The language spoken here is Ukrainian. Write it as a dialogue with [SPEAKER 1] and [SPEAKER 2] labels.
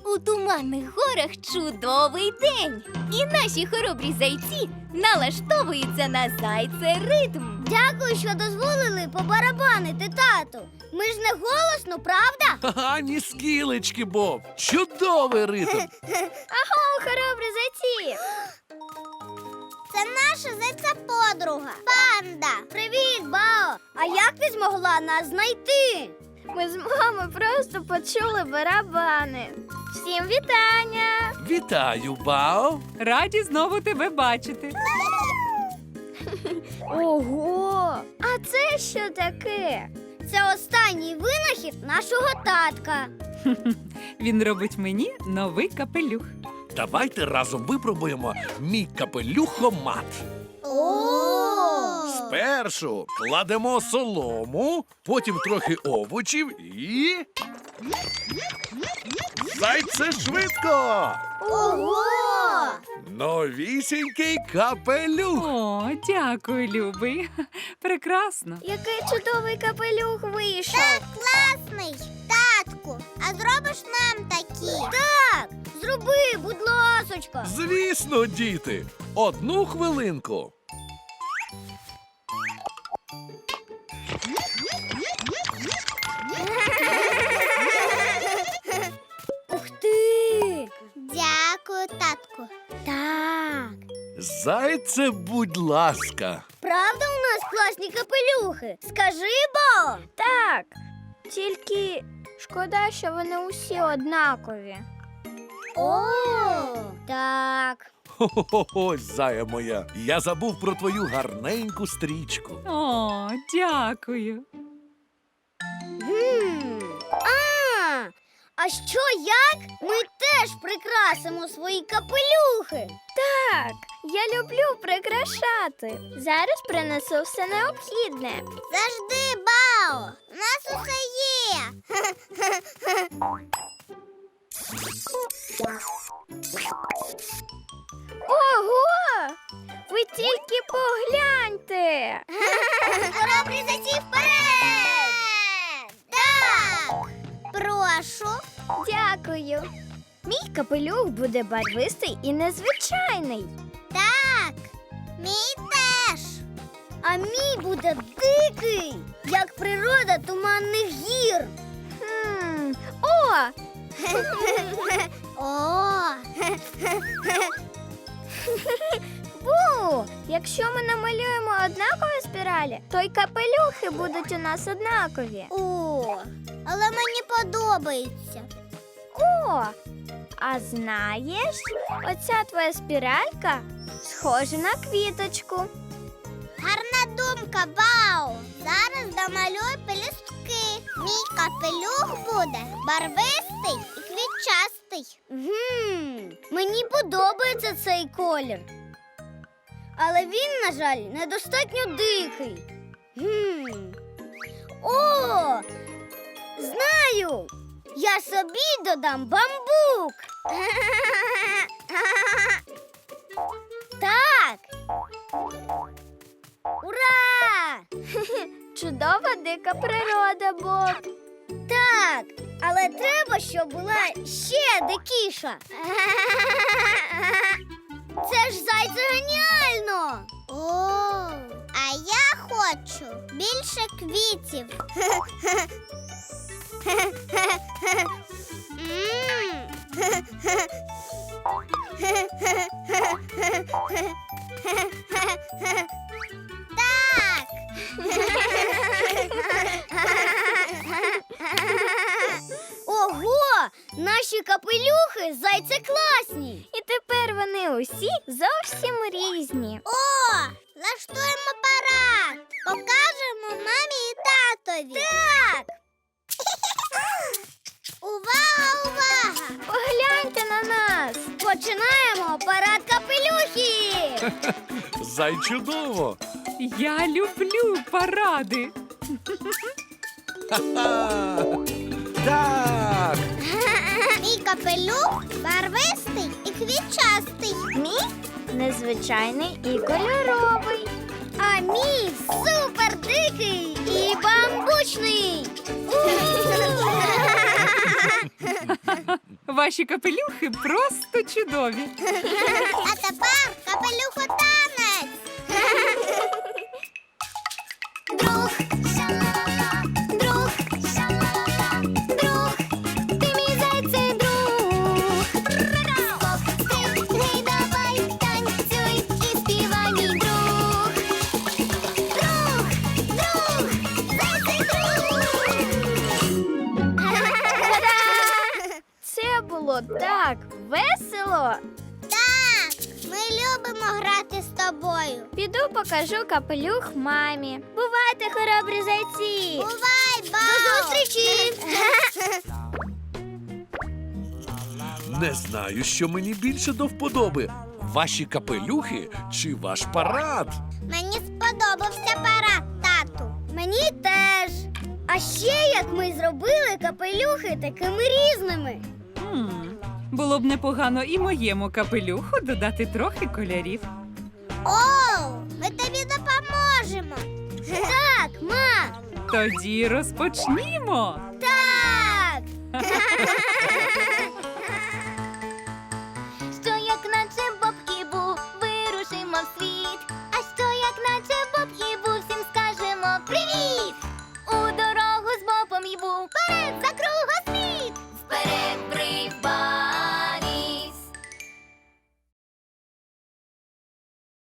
[SPEAKER 1] У туманних горах чудовий день. І наші хоробрі зайці налаштовуються на зайце-ритм.
[SPEAKER 2] Дякую, що дозволили побарабанити, тату. Ми ж не голосно, правда?
[SPEAKER 3] Ха-ха, ні скілечки, Боб. Чудовий ритм.
[SPEAKER 2] Аго, хоробрі зайці! Це наша зайця-подруга Панда. Привіт, Бао! А як ти змогла нас знайти? Ми з мамою просто почули барабани. Всім вітання!
[SPEAKER 3] Вітаю, Бао.
[SPEAKER 4] Раді знову тебе бачити.
[SPEAKER 2] Ого! А це що таке? Це останній винахід нашого татка.
[SPEAKER 4] Він робить мені новий капелюх.
[SPEAKER 3] Давайте разом випробуємо мій капелюхомат. Спершу кладемо солому, потім трохи овочів і... Зайце швидко!
[SPEAKER 2] Ого!
[SPEAKER 3] Новісінький капелюх!
[SPEAKER 4] О, дякую, любий. Прекрасно.
[SPEAKER 2] Який чудовий капелюх вийшов. Так, класний. Татку, а зробиш нам такі? Так, зроби, будь ласочка.
[SPEAKER 3] Звісно, діти! Одну хвилинку.
[SPEAKER 2] Ух ти! Дякую, татку. Так.
[SPEAKER 3] Зайце, будь ласка.
[SPEAKER 2] Правда у нас класні капелюхи? Скажи, Бо. Так. Тільки шкода, що вони усі однакові. О, так.
[SPEAKER 3] Хо-хо-хо, зая моя. Я забув про твою гарненьку стрічку.
[SPEAKER 4] О, дякую.
[SPEAKER 2] А що як? Ми теж прикрасимо свої капелюхи. Так, я люблю прикрашати. Зараз принесу все необхідне. Завжди, Бао! У нас усе є. Ого! Ви тільки погляньте! Хоробрі зайці вперед! Так! Прошу. Дякую. Мій капелюх буде барвистий і незвичайний. Так, мій теж. А мій буде дикий, як природа туманних гір. О! О! Бу! Якщо ми намалюємо однакові спіралі, то й капелюхи будуть у нас однакові. О, але мені подобається. О, а знаєш, оця твоя спіралька схожа на квіточку. Гарна думка, Бау. Зараз домалюй пелюстки. Мій капелюх буде барвистий і квітчастий. Мені подобається цей колір. Але він, на жаль, недостатньо дикий. О! Знаю! Я собі додам бамбук. Так. Ура! Чудова дика природа, Боб. Так, але треба, щоб була ще дикіша. Це ж зайце геніально! О, а я хочу більше квітів. Так. Ого! Наші капелюхи зайце класні. І тепер вони усі зовсім різні. О, влаштуємо парад. Покажемо мамі і татові. Так. Увага, увага! Погляньте на нас. Починаємо парад капелюхів.
[SPEAKER 3] Зайчудово!
[SPEAKER 4] Я люблю паради.
[SPEAKER 3] Ха-ха! Так!
[SPEAKER 2] Мій капелюх барвистий і квітчастий. Мій незвичайний і кольоровий. А мій супер дикий і бамбучний.
[SPEAKER 4] Ваші капелюхи просто чудові.
[SPEAKER 2] А тепер капелюхотанець! Друг, ша-ла-ла, друг, ша-ла-ла, друг, ти мій зайцей друг. Скок, стрибни, давай, танцюй і співай, мій друг. Друг, друг, зайцей друг. Це було так весело. Так, ми любимо грати з тобою. Піду покажу капелюх мамі. Бувайте, хоробрі зайці! Бувай, ба! До зустрічі!
[SPEAKER 3] Не знаю, що мені більше до вподоби. Ваші капелюхи чи ваш парад?
[SPEAKER 2] Мені сподобався парад, тату. Мені теж. А ще як ми зробили капелюхи такими різними.
[SPEAKER 4] Було б непогано і моєму капелюху додати трохи кольорів.
[SPEAKER 2] О, ми тобі допоможемо. Так, ма.
[SPEAKER 4] Тоді розпочнімо.
[SPEAKER 2] Так.